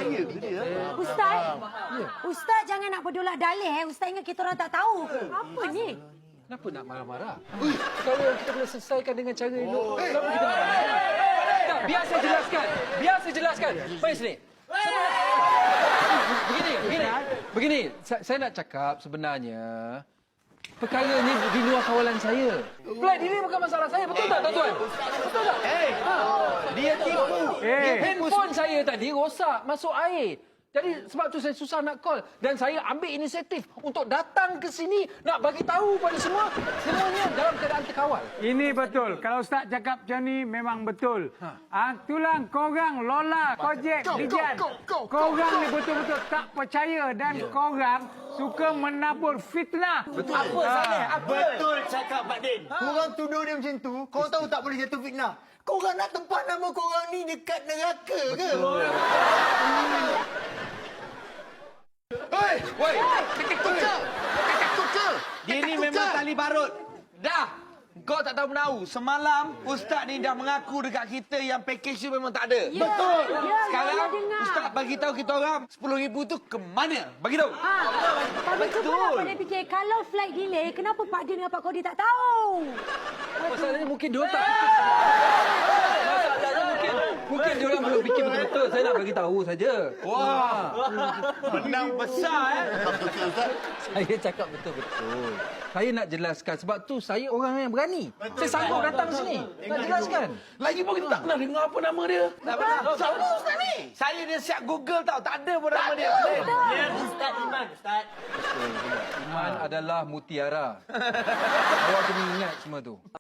Ya ke dia? Ustaz, Ustaz jangan nak berdolak dalih. Ustaz ingat kita orang tak tahu ke? Apa ni? Kenapa nak marah-marah? Kalau kita boleh selesaikan dengan cara elok, kenapa kita marah-marah? Tak, biar saya jelaskan. Biar saya jelaskan. Mari sini. Begini. Saya nak cakap sebenarnya perkara ni di luar kawalan saya. Flight delay bukan masalah saya. Betul tak, tuan-tuan? Betul tak? Dia tipu. Handphone saya tadi rosak masuk air. Jadi sebab tu saya susah nak call dan saya ambil inisiatif untuk datang ke sini nak bagi tahu pada semua semuanya dalam keadaan terkawal. Ini betul. Kalau Ustaz cakap macam ni memang betul. Tulang korang Lola, Kojek, Dijan. Korang ni betul-betul tak percaya dan korang suka menabur fitnah. Betul. Apa Saleh? Betul cakap Mak Din. Korang tuduh dia macam tu, korang tahu tak boleh jatuh fitnah. Korang nak tempat nama korang ni dekat neraka ke? Woi, kekek kucel. Dia ni memang tali barut. Dah. Kau tak tahu menahu. Semalam Ustaz ni dah mengaku dekat kita yang package tu memang tak ada. Ya, Betul. ya, Sekarang ya, dengar. Ustaz bagi tahu kita orang 10,000 tu ke mana? Bagi tahu. Kami cuba lah Pak Din fikir. Kalau flight delay, kenapa Pak Din dengan Pak Kodi tak tahu? Masalahnya mungkin dia tak mungkin dia orang belum fikir betul-betul. Saya nak bagi tahu saja. Wah. Menang besar Saya cakap betul-betul. Saya nak jelaskan sebab tu saya orang yang berani. Saya sanggup datang sini. Nak jelaskan. Lagi pun kita tak pernah dengar apa nama dia. Tak pernah. Siapa Ustaz ni? Saya dia siap Google tau. Tak ada pun nama dia. Ya, Ustaz Iman, Ustaz. Iman adalah mutiara. Awak kena ingat semua tu.